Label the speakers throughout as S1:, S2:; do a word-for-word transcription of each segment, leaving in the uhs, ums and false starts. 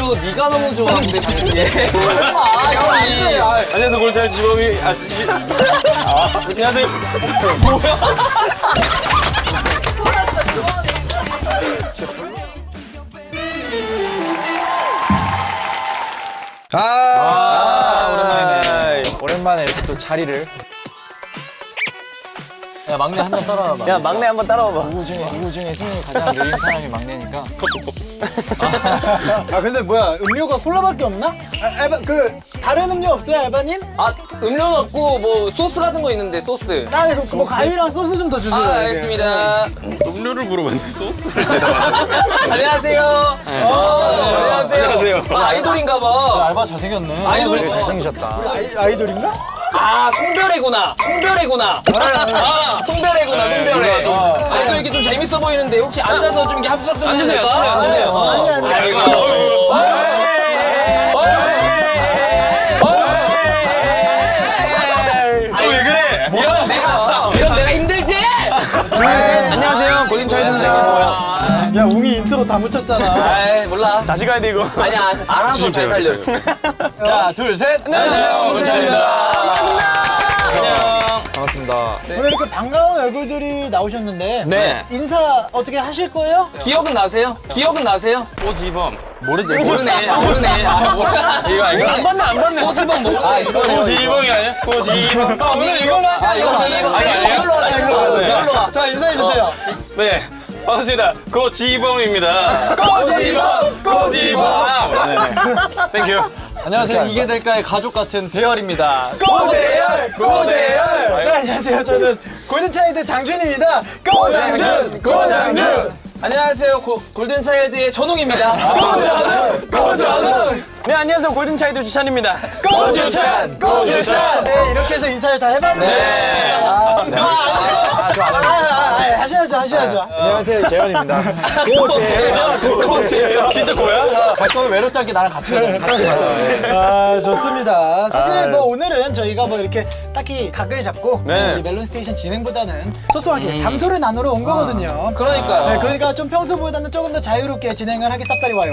S1: 음료 네가 너무 좋아하는데 당시에. 아, 이거 안 돼. 아,
S2: 안녕하세요 골잘 지범이 아저씨. 아, 안녕하세요. 뭐야?
S3: 아,
S2: 아, 오랜만이네.
S3: 오랜만에 이렇게 또 자리를.
S1: 야 막내 한 잔 따라와봐.
S3: 야 막내 한번 따라와봐.
S1: 누구 중에 누구 중에 승리 가장 느린 사람이 막내니까.
S4: 아 근데 뭐야 음료가 콜라밖에 없나? 아, 알바 그 다른 음료 없어요 알바님?
S1: 아 음료는 없고 뭐 소스 같은 거 있는데 소스.
S4: 아 이거 뭐 과일이랑 소스 좀 더 주세요.
S1: 아
S4: 이게.
S1: 알겠습니다.
S2: 음료를 물어봤는데 소스를 대답하네.
S1: 안녕하세요. 어, 안녕하세요.
S2: 안녕하세요.
S1: 아, 아이돌인가 봐.
S4: 알바 잘생겼네.
S1: 아이돌이
S4: 잘생기셨다. 아이, 아이돌인가?
S1: 아 송별회구나. 송별회구나. 아 송별회구나. 송별회. 아이돌 이렇게 좀 재밌어 보이는데 혹시 앉아서 좀 이렇게 합숙 좀 해도
S2: 앉으세요.
S1: 될까?
S2: 앉으세요.
S1: 어.
S4: 아니 아니.
S1: 아이고.
S2: 왜 그래?
S1: 이러면 내가 이러면 내가 힘들지?
S3: 안녕하세요 고딩 차이드입니다.
S4: 야 웅이 인트로 다 묻혔잖아.
S1: 아이 몰라.
S3: 다시 가야 돼 이거.
S1: 아니야 알아서 잘 살려.
S4: 자 둘 셋.
S3: 안녕하세요 고딩 차이드입니다.
S1: 안녕.
S3: 반갑습니다.
S4: 오늘 이렇게 반가운 얼굴들이 나오셨는데
S3: 네.
S4: 인사 어떻게 하실 거예요?
S1: 기억은 나세요? 기억은 나세요?
S2: 오지범.
S1: 모르네. 모르네. 아, 모르네. 아, 몰라.
S2: 이거 아니야?
S1: 안 봤네, 안 봤네. 꼬집은 모르네.
S2: 오지범이 아니야? 오지범.
S1: 꼬집. 이걸로 하 이거 꼬집.
S2: 아니, 아니에요?
S1: 이걸로 하자, 이걸로 하자. 이걸로 와.
S4: 자 인사해 주세요.
S2: 네. 반갑습니다. 고지범입니다.
S4: 꼬지범!
S2: 고지범. 네네. 땡큐.
S3: 안녕하세요 이게 될까의 가족 같은 대열입니다.
S4: 고대열 고대열. 네 안녕하세요 저는 골든차일드 장준입니다. 고장준 고장준.
S1: 안녕하세요. 고, 골든차일드의 전웅입니다.
S4: 고전웅 고전웅.
S3: 네 안녕하세요 골든 차이드 주찬입니다.
S4: 고주찬 고주찬. 네 이렇게 해서 인사를 다 해봤는데.
S3: 네.
S4: 아, 아, 좋아. 아, 아, 아, 하셔야죠 하셔야죠.
S3: 안녕하세요 재현입니다.
S4: 고재열 고재열.
S2: 진짜 고야?
S1: 갈 거면 외롭지 않게 나랑 같이 가자. 같이 가자.
S4: 아 좋습니다. 사실 뭐 오늘은 저희가 뭐 이렇게 딱히 각을 잡고
S3: 네.
S4: 우리 멜론 스테이션 진행보다는 소소하게 담소를 나누러 온 거거든요.
S1: 그러니까요.
S4: 네, 그러니까 좀 평소보다는 조금 더 자유롭게 진행을 하게 쌉싸리 와요.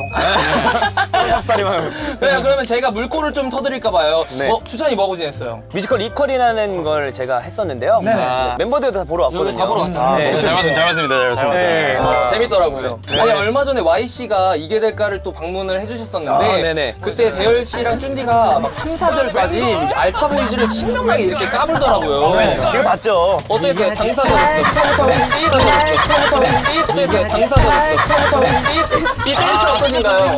S3: 쌉싸리만.
S1: 그래 그러면 제가 물꼬를 좀 터드릴까 봐요.
S3: 네.
S1: 어 추천이 뭐하고 지냈어요?
S3: 뮤지컬 이퀄이라는 걸 제가 했었는데요.
S4: 네네.
S3: 아, 멤버들도 다 보러 왔거든요.
S1: 다 보러 왔잖아요.
S3: 네.
S2: 잘 봤습니다. 잘 봤습니다. 잘 봤습니다.
S3: 네.
S1: 아, 재밌더라고요. 아니 얼마 전에 와이 씨가 이게 될까를 또 방문을 해주셨었는데
S3: 아, 네네.
S1: 그때 대열 씨랑 쭌디가 막 삼, 사절까지 알타보이즈를 신명나게 이렇게 까불더라고요.
S3: 이거 봤죠?
S1: 어땠어요? 당사자로서. 이 어땠어요? 당사자로서. 이 이 댄스 어떠신가요?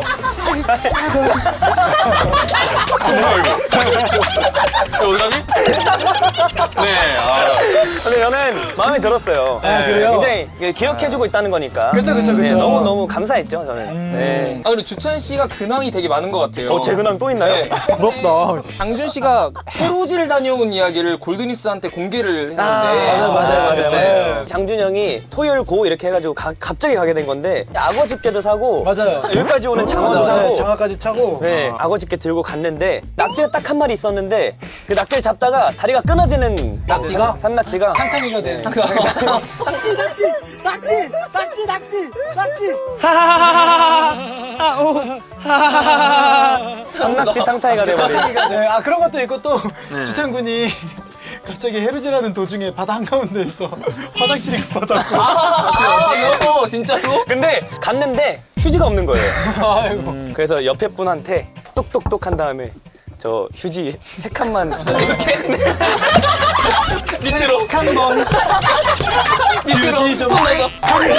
S2: 어디 가지? 네. 아.
S3: 근데 저는 마음에 들었어요.
S4: 아, 그래요?
S3: 굉장히 이게 기억해주고 있다는 거니까.
S4: 그쵸, 그쵸,
S3: 네,
S4: 그쵸.
S3: 너무 너무 감사했죠 저는. 네.
S1: 아 그리고 주찬 씨가 근황이 되게 많은 것 같아요.
S3: 어, 제 근황 또 있나요?
S1: 네.
S3: 부럽다.
S1: 장준 씨가 해로질 다녀온 이야기를 골드니스한테 공개를 했는데
S4: 맞아요, 맞아요, 맞아요.
S3: 네. 장준 형이 토요일 고 이렇게 해가지고 가- 갑자기 가게 된 건데 악어 집게도 사고
S4: 맞아요.
S3: 여기까지 오는 장어도
S4: 맞아요.
S3: 사고
S4: 네, 장화까지 차고.
S3: 네, 악어 집게 들고 갔는데 낙지가 딱 한 마리 있었는데 그 낙지를 잡다가 다리가 끊어지는
S1: 낙지가?
S3: 산낙지가
S4: 탕탕이가 돼.
S3: 산낙지 탕탕이가 돼버린.
S4: 네, 아 그런 것도 있고 또 주찬군이 갑자기 해루질하는 도중에 바다 한가운데에서 화장실이 급하다고.
S1: 아, 너 진짜로?
S3: 근데 갔는데 휴지가 없는 거예요. 음, 그래서 옆에 분한테 똑똑똑 한 다음에 저 휴지 세 칸만 이렇게
S1: 밑으로
S4: 한번
S1: 밑으로
S4: 휴지 좀
S1: 손 내서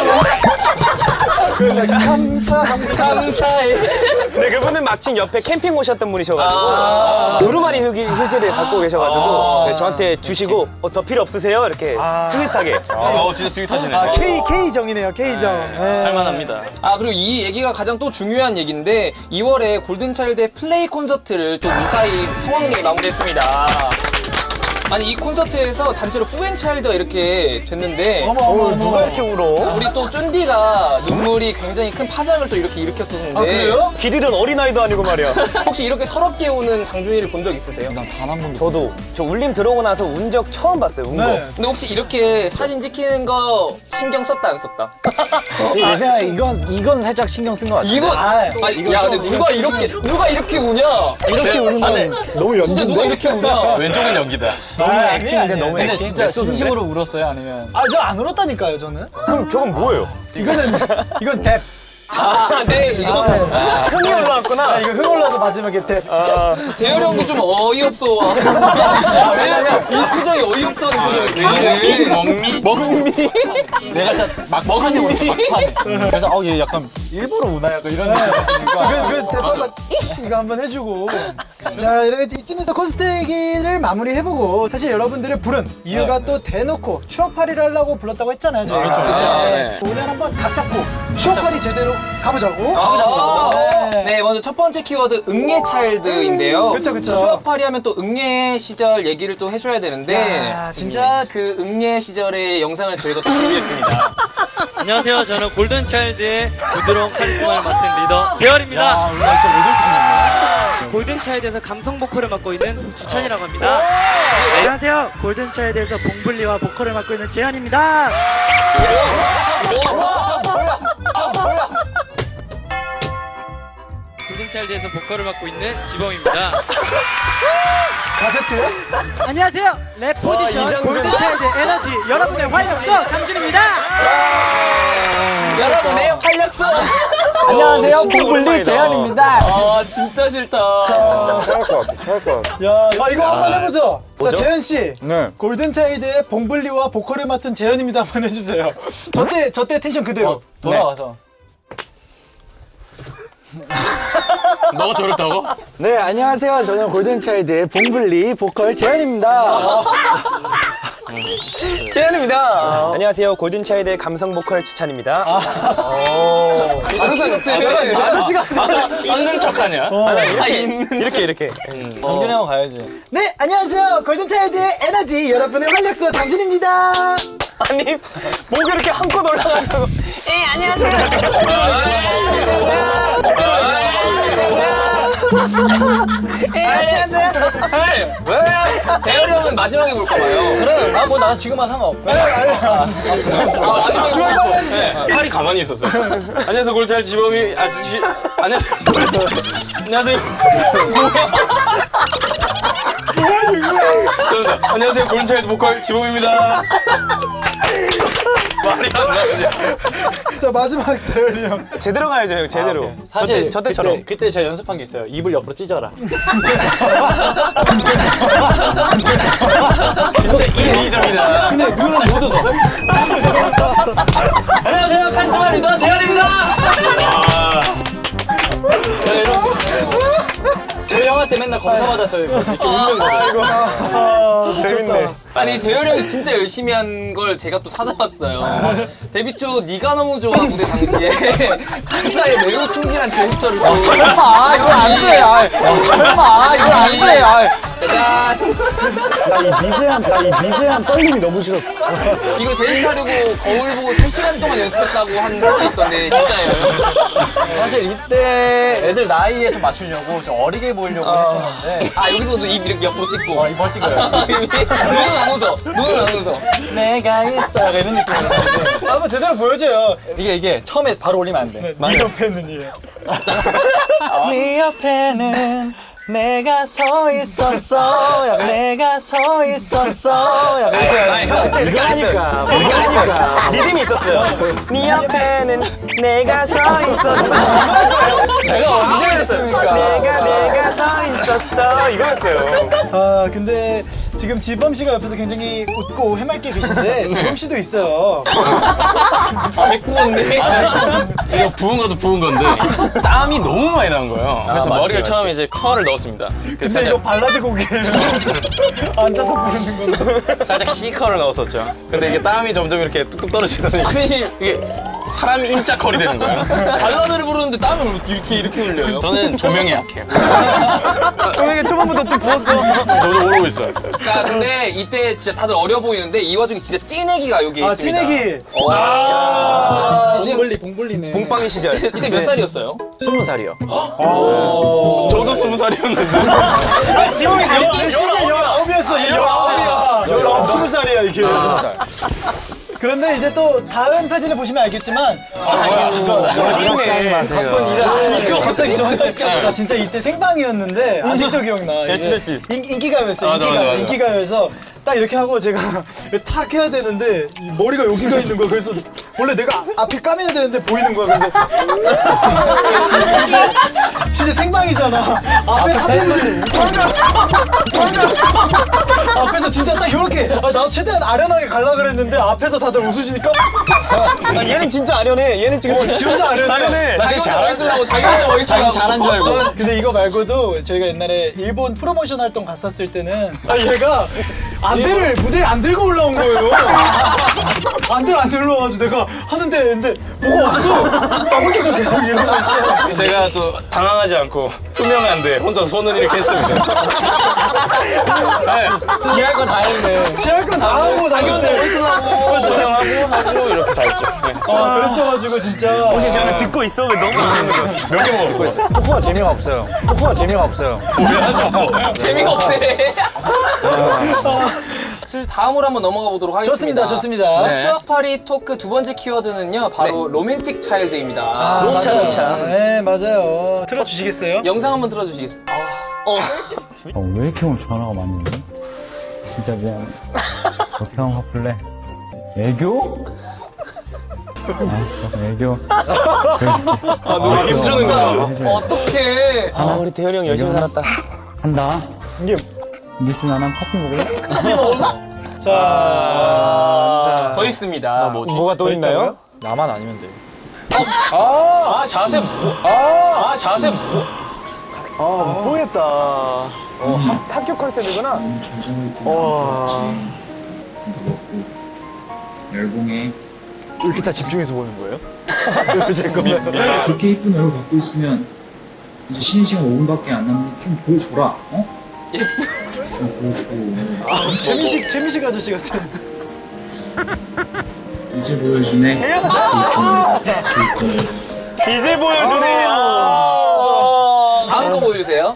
S4: 감사합니다.
S1: 감사해.
S3: 네, 그분은 마침 옆에 캠핑 오셨던 분이셔가지고
S1: 아.
S3: 두루마리 휴지, 휴지를 갖고 계셔가지고 네, 저한테 주시고 어, 더 필요 없으세요? 이렇게 스윗하게.
S2: 어, 진짜 스윗하시네.
S4: 아 K K 정이네요 K 정. 네.
S2: 살만합니다.
S1: 아 그리고 이 얘기가 가장 또 중요한 얘기인데 이월에 골든차일드의 플레이 콘서트를 또 무사히 성황리에 마무리했습니다. 아니 이 콘서트에서 단체로 뿌앤차일드가 이렇게 됐는데
S4: 어머 어머 어머.
S3: 누가 이렇게 울어?
S1: 우리 또 쫀디가 눈물이 굉장히 큰 파장을 또 이렇게 일으켰었는데
S4: 아 그래요?
S3: 길 잃은 어린아이도 아니고 말이야.
S1: 혹시 이렇게 서럽게 우는 장준이를 본 적 있으세요?
S4: 난 단 한 번도.
S3: 저도 저 울림 들어오고 나서 운 적 처음 봤어요. 운 거.
S4: 네.
S1: 근데 혹시 이렇게 사진 찍히는 거 신경 썼다 안 썼다?
S4: 내 생각에 이건 이건 살짝 신경 쓴 것 같아.
S1: 이거
S4: 아,
S1: 아,
S4: 이건
S1: 야
S4: 좀
S1: 근데 누가 이렇게 누가 이렇게 우냐?
S4: 이렇게 우는 건 너무
S1: 진짜 누가 이렇게 우냐?
S2: 왼쪽은 연기다.
S4: 너무 액팅인데 너무
S5: 근데
S4: 액팅.
S5: 진짜 진심으로 울었어요? 아니면
S4: 아 저 안 울었다니까요 저는.
S3: 그럼 저건 뭐예요?
S4: 이거는 이건 뎁.
S1: 아, 네 이거
S3: 흥이 올라왔구나.
S4: 아 이거 흥 올라서 마지막에 뎁.
S1: 대열이 형도 좀 어이없어. 왜냐면 이 표정이 어이없다는 표정이 왜 이래?
S2: 먹미? 먹미?
S5: 내가 진짜 막 먹하네 울었어 막판에. 그래서 어 얘 약간 일부러 우나 약간 이런 느낌이니까.
S4: 그, 그 대파가 이거 한번 해주고. 자 이렇게 이쯤에서 콘서트 얘기를 마무리해보고 사실 여러분들을 부른 이유가 또 대놓고 추억팔이를 하려고 불렀다고 했잖아요 저희가.
S1: 그렇죠.
S4: 네. 오늘 한번 각 잡고 추억팔이 제대로 가보자고.
S1: 아,
S4: 네.
S1: 네, 먼저 첫 번째 키워드 응애 차일드인데요.
S4: 그쵸, 그쵸.
S1: 추억팔이 하면 또 응애 시절 얘기를 또 해줘야 되는데
S4: 야, 진짜
S1: 그 응애 시절의 영상을 저희가 또 준비했습니다.
S6: 안녕하세요. 저는 골든차일드의 부드러운 카리스마를 맡은 리더 대열입니다.
S5: 아 우리 진짜 왜 저렇게 생겼냐.
S6: 골든차일드에서 감성 보컬을 맡고 있는 주찬이라고 합니다. 안녕하세요. 골든차일드에서 봉블리와 보컬을 맡고 있는 재현입니다. 골든차일드에서 보컬을 맡고 있는 지범입니다.
S4: 가제트.
S6: 안녕하세요. 랩 포지션
S3: 이정준.
S6: 골든차일드 에너지 여러분의 활력소 장준입니다.
S1: 여러분의 활력소.
S5: 안녕하세요
S3: 진짜
S5: 봉블리
S3: 오랜만이다.
S5: 재현입니다.
S1: 아 진짜 싫다.
S4: 야, 아 이거 한번 해보죠.
S3: 뭐죠?
S4: 자 재현 씨.
S5: 네.
S4: 골든차일드의 봉블리와 보컬을 맡은 재현입니다. 한번 해주세요. 저때 저때 텐션 그대로.
S5: 어, 돌아와서.
S2: 너가 저랬다고?
S4: 네 안녕하세요. 저는 골든차일드의 봉블리 보컬 재현입니다.
S3: 재현입니다. 안녕하세요. 골든차일드의 감성 보컬 추찬입니다.
S1: 아저씨 같아.
S4: 아저씨가.
S2: 있는 척하냐?
S3: 아, 이렇게 이렇게 이렇게.
S5: 정준이 형 가야지.
S4: 네 안녕하세요. 골든차일드의 에너지 여러분의 활력소 장준입니다.
S3: 아니 목이 이렇게 한껏 올라가지고.
S1: 왜? 대열이 형은 마지막에 볼까 봐요.
S5: 그래. 아뭐 나는 지금 와 상관없고.
S1: 아, 마지막에
S2: 팔이 가만히 있었어. 안녕하세요. 골잘 지범이 아저씨. 안녕하세요. 안녕하세요. 죄송합니다. 안녕하세요. 골든차일드 보컬 지범입니다. 말이 안 나오냐.
S4: 자 마지막 대열이 형.
S3: 제대로 가야죠, 형. 제대로.
S5: 사실
S3: 저, 때, 저 때처럼.
S5: 그때, 그때 제가 연습한 게 있어요. 입을 옆으로 찢어라.
S2: 진짜 이 점이다.
S5: 근데 눈은 못 웃어. 안녕하세요 카리스마 리더 대현입니다. 저희 형한테 맨날 검사 받았어요. 이렇게 웃는 거.
S4: 아
S3: 재밌네.
S1: 아니 대열이 형이 진짜 열심히 한 걸 제가 또 찾아봤어요. 데뷔 초 네가 너무 좋아 무대 당시에 가사에 매우 충실한 제스처를 보여.
S5: 설마 이거 안 돼. 아, 설마 이거 안 돼. 아,
S1: 짜잔.
S4: 나 이 미세한 나 이 미세한 떨림이 너무 싫어.
S1: 이거 제스처 하려고 거울 보고 세 시간 동안 연습했다고 한 사람이 있던데 진짜예요?
S5: 사실 이때 애들 나이에 좀 맞추려고 좀 어리게 보이려고 했었는데.
S1: 아 여기서도 입 이렇게 옆으로 찍고
S5: 어, 이벌 찍어요.
S1: 눈은 안 웃어. 눈은 안 웃어.
S5: 내가 있어. 약간 이런 느낌이었는데.
S4: 한번 제대로 보여줘요.
S5: 이게 이게 처음에 바로 올리면 안 돼.
S4: 네 옆에는 이에.
S5: 네 옆에는 내가 서 있었어. 약간 내가 서 있었어. 약간 이렇게.
S3: 이렇게 하니까. 이렇게 하니까. 리듬이 있었어요. 네 옆에는 내가 서 있었어.
S5: 제가 언제 했습니까?
S3: 내가 내가 서 있었어. 이거였어요.
S4: 아 근데 지금 지범 씨가 옆에서 굉장히 웃고 해맑게 계신데 지범 씨도 있어요.
S1: 백구인데.
S2: 이거 부은 것도 부은 건데 땀이 너무 많이 나는 거예요. 그래서
S5: 맞지,
S2: 머리를
S5: 맞지.
S2: 처음에 이제 컬을 넣었습니다. 그래서
S4: 근데 이거
S2: 살짝,
S4: 발라드 곡이에요. 앉아서 부르는 거는.
S2: 살짝 C 컬을 넣었었죠. 근데 이게 땀이 점점 이렇게 뚝뚝 떨어지더니
S1: 아니
S2: 이게 사람 인자 거리 되는 거야.
S1: 발라드를 부르는데 땀을 이렇게 이렇게 흘려요.
S2: 저는 조명에 약해요.
S3: 왜 초반부터 좀 부었어?
S2: 저도 모르고 있어요.
S1: 그러니까 근데 이때 진짜 다들 어려 보이는데 이 와중에 진짜 찐애기가 여기
S4: 아,
S1: 있습니다.
S4: 찐애기.
S1: 어. 아~ 지금
S5: 봉블리 봉블리네.
S3: 봉빵이 시절.
S1: 이때 몇 살이었어요?
S3: 스무 살이요.
S2: 저도 스무 살이었는데.
S4: 지금이 진짜 열아홉이었어. 열아홉이야. 열아홉, 스무 살이야 이게. 그런데 이제 또 다음 사진을 보시면 알겠지만
S3: 이네.
S4: 이거 갑자기 저한테 나 진짜 이때 생방이었는데 아직도 기억나. 이게
S3: 에스비에스.
S4: 인, 인기가요였어.
S2: 맞아,
S4: 인기가
S2: 맞아, 맞아.
S4: 인기가요에서 딱 이렇게 하고 제가 탁 해야 되는데 이 머리가 여기가 있는 거야. 그래서 원래 내가 앞에 까매야 되는데 보이는 거야. 그래서 진짜 생방이잖아. 앞에 탑했는데 앞에서 진짜 딱 이렇게 아, 나 최대한 아련하게 갈라 그랬는데 앞에서 다들 웃으시니까
S3: 아, 얘는 진짜 아련해. 얘는 지금
S4: 어, 진짜 아련해.
S3: 아련해.
S1: 자기 혼자 멋있으려고 자기 혼자 멋있으려고
S3: 잘한 줄 알고.
S4: 근데 이거 말고도 저희가 옛날에 일본 프로모션 활동 갔었을 때는 아, 얘가 안대를 무대에 안 들고 올라온 거예요. 안대를 안 들고 와가지고 내가 하는데 근데 뭐가 없어. 나 혼자 계속 이러고 있어.
S2: 제가 또 당황하지 않고 투명한데 혼자 손을 이렇게 했습니다. 네,
S3: 지할 거 다 했네.
S4: 지할 건 다 하고
S1: 자기 혼자 멋있으려고
S2: 투명하고 하고 이렇게 다 했죠. 네.
S4: 아 그랬어가지고 진짜
S3: 혹시 저는 듣고 있어? 왜 너무 웃는 거야?
S2: 몇 개 먹었어?
S5: 토크가 재미가 없어요. 토크가 재미가 없어요.
S1: 재미가 없네. 사실 다음으로 한번 넘어가 보도록 하겠습니다.
S4: 좋습니다, 좋습니다.
S1: 네. 추억팔이 토크 두 번째 키워드는요, 바로 로맨틱 차일드입니다.
S4: 아,
S3: 로차,
S4: 맞아요.
S3: 로차.
S4: 네 맞아요. 틀어주시겠어요?
S1: 영상 한번 틀어주시겠어요?
S7: 어, 왜 이렇게 오늘 전화가 많이 오니? 진짜 미안해. 그렇게 하면 화풀래. 애교? 알았어, 애교.
S2: 아, 누가 힘주는 거야?
S1: 어떡해.
S3: 아, 우리 대현이 형 열심히 살았다.
S7: 한다.
S4: 이게
S7: 미스 나랑 커피 먹을래?
S4: 자, 자.
S1: 더 있습니다.
S3: 뭐가 또 있나요?
S5: 나만 아니면 돼.
S3: 아, 자세 뭐? 아, 자세 뭐? 아, 못 보겠다. 어, 학- 학교 컨셉이구나. 와.
S8: 열공에
S3: 이렇게 다 집중해서 보는 거예요?
S8: 저렇게 이쁜 얼굴 갖고 있으면 이제 쉬는 시간 오 분밖에 안 남는데 좀 보여줘라. 어? 좀 보여주고
S4: 재미식 재미식 아저씨 같은.
S8: 이제 보여주네.
S3: 이제 보여주네요.
S1: 다음 거 보여주세요.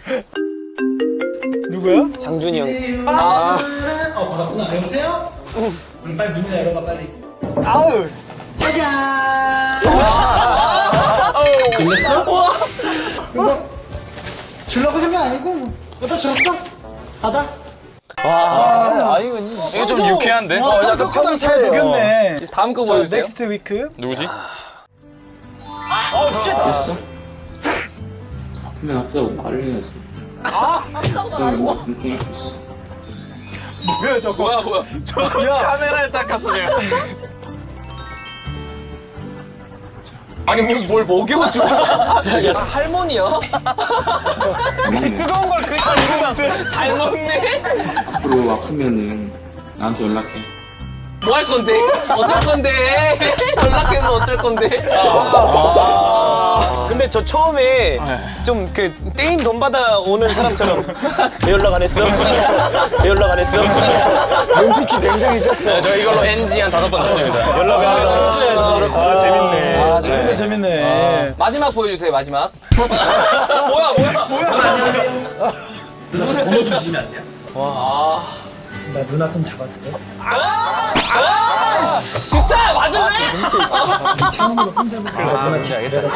S4: 누구야?
S3: 장준이 형.
S4: 아, 어 받았구나. 여보세요? 응. 빨리 문이나 열어봐 빨리. 아우. 짜잔. 들렸어? 이거 주려고 생각 아니고 뭐. 갖다 줬어. 받아.
S3: 와.
S2: 이거 좀 유쾌한데?
S4: 어, 평소 거랑 잘 녹였네.
S1: 다음 거
S4: 자,
S1: 보여주세요.
S4: 넥스트 위크.
S2: 누구지?
S4: 어, 진짜.
S8: 됐어? 그러면 아프다고 말을 해야지. 아! 아프다고 말을 했어.
S4: 뭐야 저거?
S1: 뭐야, 뭐야.
S2: 카메라에 닦았어, 제가.
S1: 아니, 뭘, 뭘 먹여줘. 야, 할머니야?
S3: 뜨거운 걸 그냥 입으면
S1: 잘 먹네?
S8: 앞으로 아프면은 나한테 연락해.
S1: 뭐 할 건데? 어쩔 건데? 연락해서 어쩔 건데?
S3: 근데 저 처음에 좀 그 떼인 돈 받아 오는 사람처럼 왜 연락 안 했어? 왜 연락 안 했어? 눈빛이 굉장히 셌어.
S2: 네, 저 이걸로 엔지 한 다섯 번 넣습니다.
S3: 연락 안 했어.
S4: 했어야지.
S3: 아, 재밌네.
S4: 아, 재밌네, 재밌네.
S1: 마지막 보여주세요, 마지막. 뭐야, 뭐야, 뭐야.
S8: 번호 주시면 안 돼요?
S4: 나 누나 손 잡아도 돼?
S1: 진짜 맞을래?
S4: 처음으로 손 잡을 때 누나 진짜 이래가지고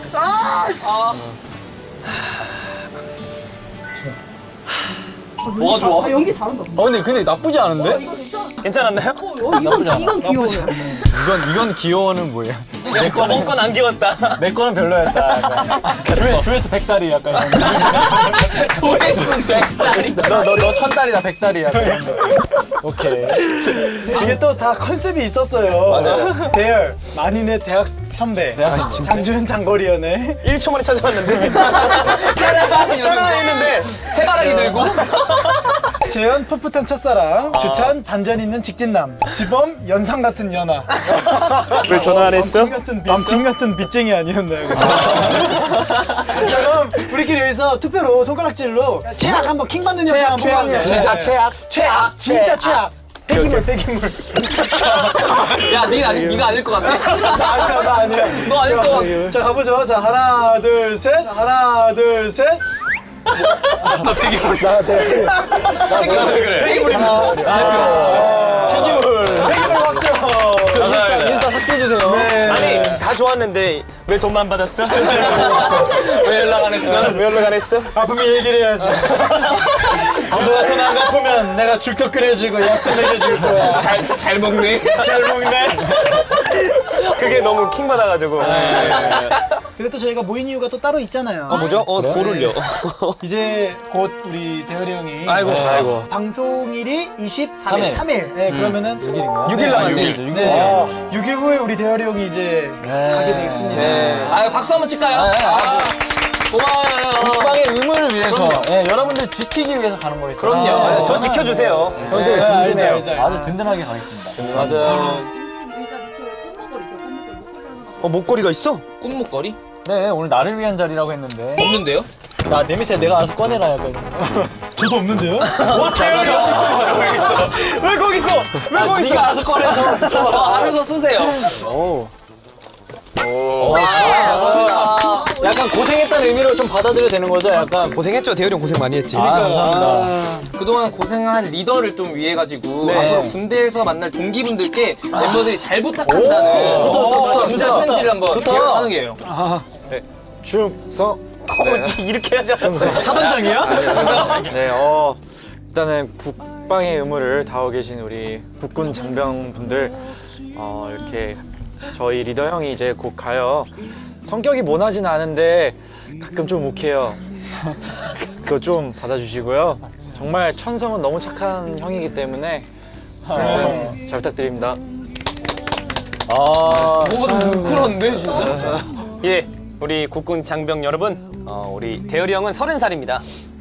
S1: 뭐가 좋아?
S3: 어, 근데 근데 나쁘지 않은데? 괜찮았나요?
S5: 이건 이건 귀여워.
S3: 이건 이건 귀여워는 뭐예요? 저번 건 안 귀여웠다.
S5: 내 거는 별로였다. 약간. 조회, 조회수 백달이 약간.
S1: 조회수 백달이.
S5: 너너 너 천달이다 백달이야.
S4: 오케이. 이게 또 다 컨셉이 있었어요. 맞아요. 대열, 만인의 대학 선배.
S5: 대학
S4: 장준 장거리연애.
S3: 일 초 만에 찾아왔는데
S1: 따라가
S3: 따라 했는데
S1: 해바라기 들고.
S4: 재현 풋풋한 첫사랑, 주찬 반전 있는 직진남, 지범 연상 같은 연하.
S3: 왜 전화 안 했어?
S4: 남친 같은 빚, 남친 같은 빚쟁이 아니었나요? 자, 그럼 우리끼리 여기서 투표로 손가락질로 최악 한번 킹 받는 영상 한번
S1: 최악,
S4: 해보자.
S1: 진짜
S4: 최악, 최악, 진짜 최악. 폐기물, 폐기물.
S1: 야, 니가 아니, 니가 아닐 것 같아.
S4: 나 아니야, 나 아니야.
S1: 너 아닐 것 같아.
S4: 자, 가보죠. 자, 하나, 둘, 셋. 하나, 둘, 셋.
S1: 나 폐기물.
S4: 나 폐기물.
S1: 그래.
S4: 폐기물입니다. 폐기물. 폐기물 확정.
S3: 인스타 삭제해주세요.
S4: 네.
S3: 아니, 다 좋았는데 왜 돈만 받았어?
S1: 왜 연락 안 했어?
S3: 왜 연락 안 했어?
S4: 아프면 얘기를 해야지. 너가 돈 안 갚으면 내가 죽도 끓여주고 약도 먹여줄 거야.
S1: 잘, 잘 먹네.
S4: 잘 먹네.
S3: 그게 너무 킹 받아가지고.
S4: 근데 또 저희가 모인 이유가 또 따로 있잖아요.
S3: 어, 뭐죠? 어, 돌을요.
S4: 이제 곧 우리 대열이 형이
S3: 아이고, 아이고.
S4: 방송일이 이십삼 일.
S5: 일.
S4: 삼 일. 네, 그러면은
S3: 육 일 남았네.
S4: 네. 육 일 후에 우리 대열이 형이 이제 가게 되겠습니다.
S1: 네. 아, 박수 한번 칠까요? 아, 고마워요.
S5: 국방의 의무를 위해서, 예, 여러분들 지키기 위해서 가는 거겠죠.
S1: 그럼요.
S3: 아, 저 지켜주세요.
S5: 형들
S4: 네, 알죠,
S5: 든든해요.
S4: 알죠.
S5: 아주 든든하게 가겠습니다.
S1: 맞아요.
S3: 어, 목걸이가 있어?
S1: 꽃목걸이?
S5: 네, 오늘 나를 위한 자리라고 했는데.
S1: 없는데요?
S5: 나 내 밑에 내가 알아서 꺼내라 약간.
S4: 저도 없는데요?
S3: 왜 거기 있어? 왜
S5: 아,
S3: 거기 있어?
S5: 네가 알아서 꺼내서.
S1: 어, 알아서 쓰세요.
S5: 약간 고생했다는 의미로 좀 받아들여야 되는 거죠, 약간.
S3: 고생했죠. 대열이 형 고생 많이 했지.
S5: 아, 감사합니다.
S1: 그동안 고생한 리더를 좀 위해 가지고
S5: 네.
S1: 앞으로 군대에서 만날 동기분들께 멤버들이 잘 부탁한다는
S5: 좋다, 좋다, 좋다.
S1: 진짜
S5: 좋다.
S1: 편지를 한번
S5: 좋다.
S1: 하는 게요.
S3: 충성. 어, 이렇게 하자.
S4: 사단장이야?
S9: 네, 어, 일단은 국방의 의무를 다하고 계신 우리 국군 장병분들, 어, 이렇게 저희 리더 형이 이제 곧 가요. 성격이 모나진 않은데 가끔 좀 욱해요. 그거 좀 받아주시고요. 정말 천성은 너무 착한 형이기 때문에 하여튼 잘 부탁드립니다.
S5: 아,
S1: 뭐가 좀 뭉클한데 진짜.
S3: 예, 우리 국군 장병 여러분, 어, 우리 대열이 형은 서른 살입니다.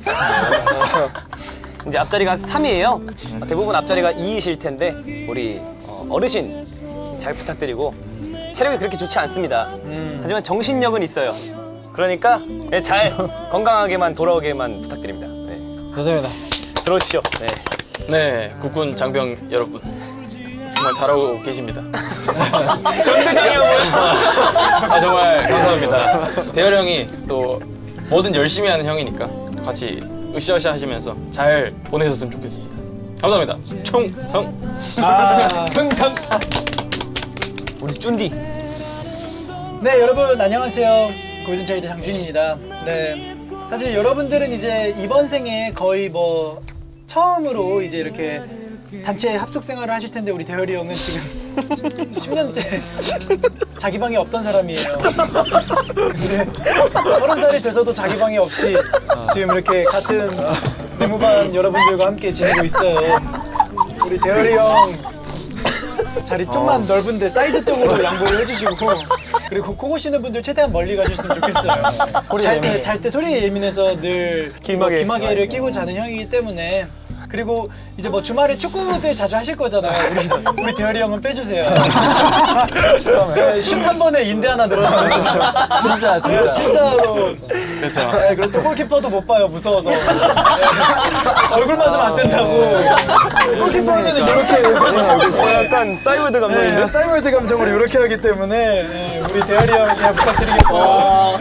S3: 이제 앞자리가 삼이에요. 대부분 앞자리가 이이실 텐데 우리 어, 어르신 잘 부탁드리고 체력이 그렇게 좋지 않습니다. 하지만 정신력은 있어요. 그러니까 예, 잘 건강하게만 돌아오게만 부탁드립니다. 네.
S5: 감사합니다.
S3: 들어오십시오. 네.
S2: 네, 국군 장병 여러분. 정말 잘하고 계십니다.
S3: 경대장이 형은
S2: 아, 정말 감사합니다. 대열 형이 또 뭐든 열심히 하는 형이니까 또 같이 으쌰으쌰 하시면서 잘 보내셨으면 좋겠습니다. 감사합니다. 총성.
S4: 아.
S1: 평평.
S3: 우리 쭌디.
S4: 네, 여러분 안녕하세요. 골든차일드 장준입니다. 네, 사실 여러분들은 이제 이번 생에 거의 뭐 처음으로 이제 이렇게 단체 합숙 생활을 하실 텐데 우리 대열이 형은 지금 십 년째 자기 방에 없던 사람이에요. 근데 서른 살이 돼서도 자기 방에 없이 지금 이렇게 같은 내무반 여러분들과 함께 지내고 있어요. 우리 대열이 형 자리 좀만 넓은데 사이드 쪽으로 양보를 해주시고, 그리고 코 고시는 분들 최대한 멀리 가셨으면 좋겠어요. 잘, 잘 때 소리에 예민해서 늘
S3: 귀마개.
S4: 귀마개를 끼고 자는 형이기 때문에. 그리고 이제 뭐 주말에 축구들 자주 하실 거잖아요. 우리, 우리 대열이 형은 빼주세요. 네, 슛 한 번에 인대 하나 늘어나는 진짜 진짜 진짜로.
S2: 그렇죠.
S4: 네, 그리고 또 골키퍼도 못 봐요, 무서워서. 네. 얼굴 맞으면 안 된다고. 골키퍼 하면 이렇게
S3: 약간 사이월드 감성인데.
S4: 네, 사이월드 감성으로 이렇게 하기 때문에 네, 우리 대열이 형 잘 부탁드리겠고요.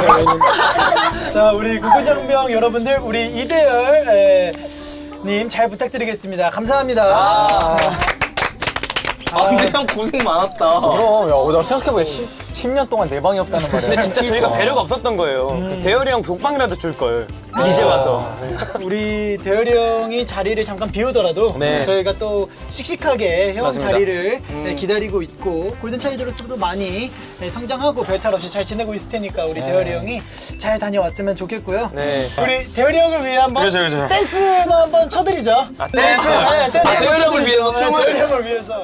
S4: 자, 우리 국군장병 여러분들, 우리 이대열 에, 님 잘 부탁드리겠습니다. 감사합니다.
S1: 아, 근데 형 고생 많았다.
S5: 그럼, 야, 나 생각해보니까 십 년 동안 내 방이 없다는 말이야.
S3: 근데 진짜 저희가 배려가 없었던 거예요. 그 대열이 형 독방이라도 줄 걸. 이제 와서.
S4: 우리 대열이 형이 자리를 잠깐 비우더라도
S3: 네.
S4: 저희가 또 씩씩하게 형
S3: 맞습니다.
S4: 자리를 네, 기다리고 있고 골든차일드로서도 많이 네, 성장하고 별탈 없이 잘 지내고 있을 테니까 우리 대열이 형이 잘 다녀왔으면 좋겠고요.
S3: 네.
S4: 우리 대열이 형을 위해 한번
S2: 그렇죠, 그렇죠.
S4: 댄스나 한번 쳐드리죠.
S3: 아, 댄스.
S4: 네, 댄스
S1: 아, 대열이 형을
S4: 쳐드리죠.
S1: 위해서
S4: 네,
S1: 춤을?
S4: 대열이 형을 위해서.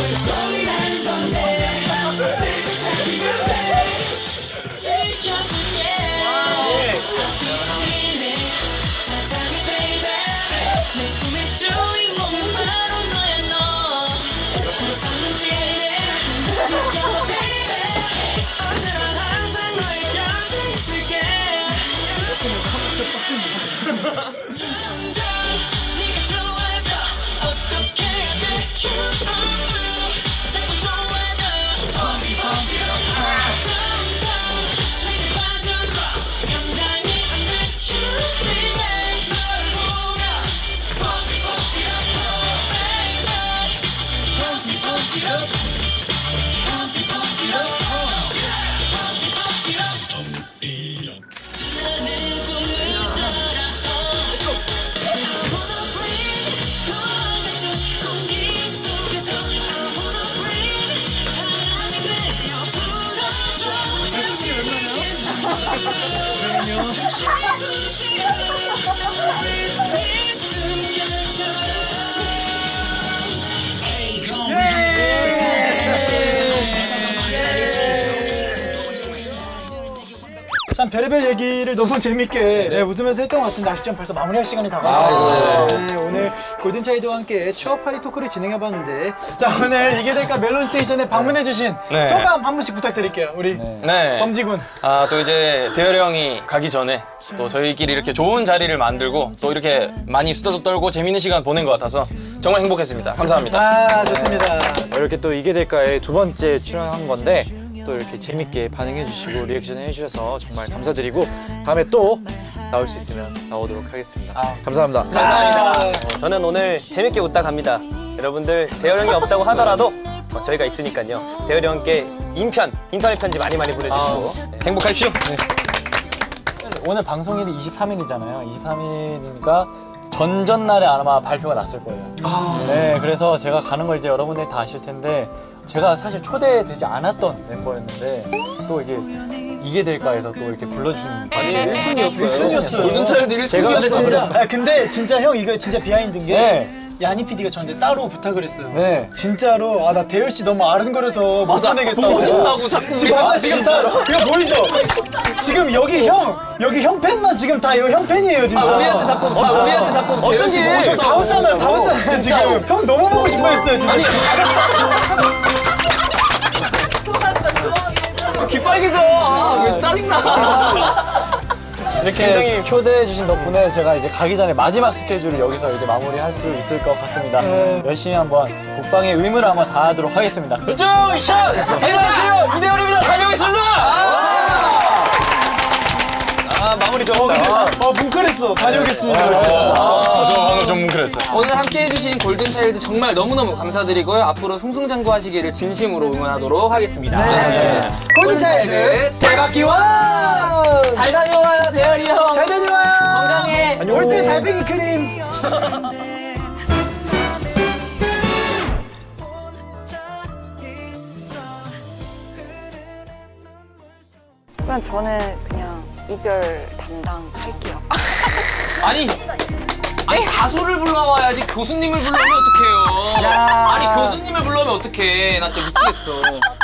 S4: 참 별의별 얘기를 너무 재밌게 네, 웃으면서 했던 것 같은데 아쉽지만 벌써 마무리할 시간이 다가왔어요. 네, 오늘 골든차일드와 함께 추억파리 토크를 진행해봤는데 자 오늘 이게 될까 멜론 스테이션에 방문해주신
S2: 네.
S4: 소감 한 분씩 부탁드릴게요. 우리
S2: 네.
S4: 범지군.
S2: 아, 또 이제 대열이 형이 가기 전에 또 저희끼리 이렇게 좋은 자리를 만들고 또 이렇게 많이 수다도 떨고 재밌는 시간 보낸 것 같아서 정말 행복했습니다. 감사합니다.
S4: 아 좋습니다.
S9: 이렇게 또 이게 될까에 두 번째 출연한 건데 또 이렇게 재밌게 반응해 주시고 리액션 해주셔서 정말 감사드리고 다음에 또 나올 수 있으면 나오도록 하겠습니다. 감사합니다.
S3: 어, 저는 오늘 재밌게 웃다 갑니다. 여러분들 대열 형이 없다고 하더라도 어, 저희가 있으니까요. 대열 형께 인편, 인터넷 편지 많이 많이 보내주시고 네.
S2: 행복하십시오.
S5: 오늘 방송일이 이십삼 일이잖아요. 이십삼 일이니까 전전날에 아마 발표가 났을 거예요. 네, 그래서 제가 가는 걸 이제 여러분들이 다 아실 텐데 제가 사실 초대되지 않았던 멤버였는데 또 이게 이게 될까 해서 또 이렇게 불러주신
S1: 아니 일 순위였어요.
S4: 일 순위였어요.
S1: 골든차일드 일
S4: 제가 근데
S1: 순위였어요.
S4: 진짜 아 근데 진짜 형 이거 진짜 비하인드인 게
S5: 네.
S4: 야니 피디가 저한테 따로 부탁을 했어요.
S5: 네.
S4: 진짜로 아 나 대열 씨 너무 아른거려서 못
S1: 맞아.
S4: 보내겠다고.
S1: 보고 싶다고 자꾸
S4: 지금
S1: 우리가
S4: 봐, 지금 다 이거 보이죠? 지금 여기 형 여기 형 팬만 지금 다 이거 형 팬이에요 진짜.
S1: 아, 우리한테 자꾸 다 우리한테 자꾸 대열 씨 보고
S4: 다
S1: 싶다고.
S4: 왔잖아요, 다 왔잖아요 지금. 형 너무 보고 싶어했어요 진짜.
S1: 귀 빨개져. 아, 왜 짜증나.
S5: 이렇게 초대해 주신 덕분에 제가 이제 가기 전에 마지막 스케줄을 여기서 이제 마무리할 수 있을 것 같습니다. 열심히 한번 국방의 의무를 한번 다하도록 하겠습니다. 결정 샷! 안녕하세요, 이대현입니다. 다녀오겠습니다.
S3: 아 마무리 좋았다.
S4: 아 뭉클했어. 다녀오겠습니다.
S2: 아, 저 방금 좀 뭉클했어요.
S1: 오늘 함께 해주신 골든차일드 정말 너무너무 감사드리고요. 앞으로 승승장구하시기를 진심으로 응원하도록 하겠습니다. 네. 골든차일드 대박 기원! 잘 다녀와요, 대열이 형.
S4: 잘 다녀와요.
S1: 건강해.
S4: 올 때 달팽이 크림.
S10: 그냥 저는 그냥 이별 담당할게요.
S1: 아니, 아니 가수를 불러와야지 교수님을 불러오면 어떡해요. 아니 교수님을 불러오면 어떡해. 나 진짜 미치겠어.